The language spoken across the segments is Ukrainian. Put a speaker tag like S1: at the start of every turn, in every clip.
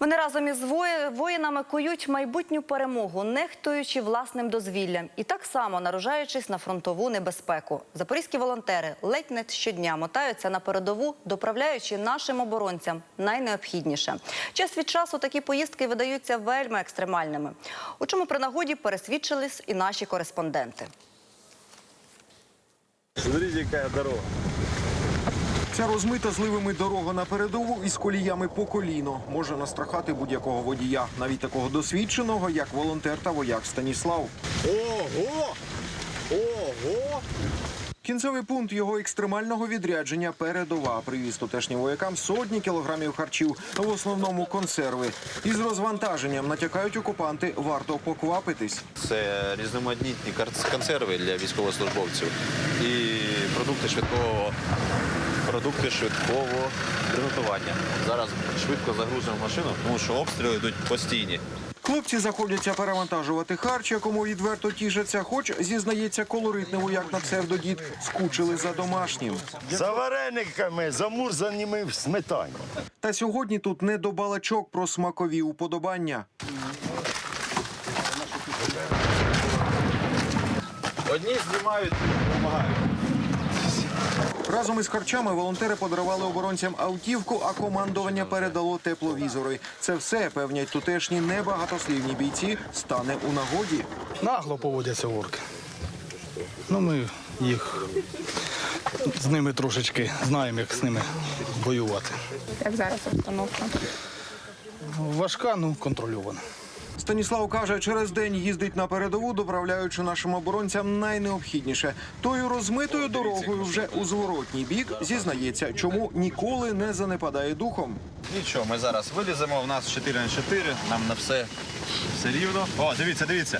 S1: Вони разом із воїнами кують майбутню перемогу, нехтуючи власним дозвіллям і так само наражаючись на фронтову небезпеку. Запорізькі волонтери ледь не щодня мотаються на передову, доправляючи нашим оборонцям найнеобхідніше. Час від часу такі поїздки видаються вельми екстремальними. У чому при нагоді пересвідчились і наші кореспонденти.
S2: Смотрите, яка дорога.
S3: Ця розмита зливами дорога на передову із коліями по коліно може настрахати будь-якого водія, навіть такого досвідченого, як волонтер та вояк Станіслав.
S2: Ого! Ого!
S3: Кінцевий пункт його екстремального відрядження – передова. Привіз тутешнім воякам сотні кілограмів харчів, в основному консерви. Із розвантаженням, натякають окупанти, варто поквапитись.
S4: Це різноманітні консерви для військовослужбовців і продукти швидкого приготування. Зараз швидко загрузимо машину, тому що обстріли йдуть постійні.
S3: Хлопці заходяться перевантажувати харч, якому відверто тішаться, хоч, зізнається колоритний вояк на псевдодід, скучили за домашнім.
S2: За варениками, замурзаними в сметані.
S3: Та сьогодні тут не до балачок про смакові уподобання.
S4: Одні знімають, допомагають.
S3: Разом із харчами волонтери подарували оборонцям автівку, а командування передало тепловізори. Це все, певнять тутешні небагатослівні бійці, стане у нагоді.
S5: Нагло поводяться орки. Ми з ними трошечки знаємо, як з ними воювати.
S6: Як зараз обстановка?
S5: Важка, контрольована.
S3: Станіслав каже, через день їздить на передову, доправляючи нашим оборонцям найнеобхідніше. Тою розмитою дорогою вже у зворотній бік, зізнається, чому ніколи не занепадає духом.
S4: Нічого, ми зараз виліземо, у нас 4х4, нам на все рівно. О, дивіться.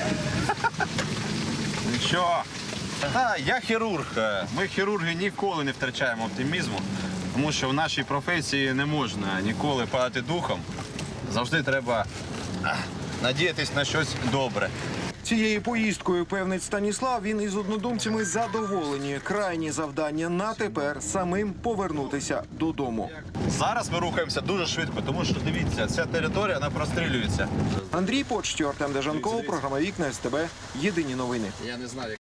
S4: Нічого. Я хірург. Ми, хірурги, ніколи не втрачаємо оптимізму, тому що в нашій професії не можна ніколи падати духом. Завжди треба надіятись на щось добре.
S3: Цією поїздкою, певнить Станіслав, він із однодумцями задоволені. Крайні завдання на тепер – самим повернутися додому.
S4: Зараз ми рухаємося дуже швидко, тому що, дивіться, ця територія, вона прострілюється.
S3: Андрій Почтєв, Артем Дежанков, програма «Вікна СТБ». Єдині новини.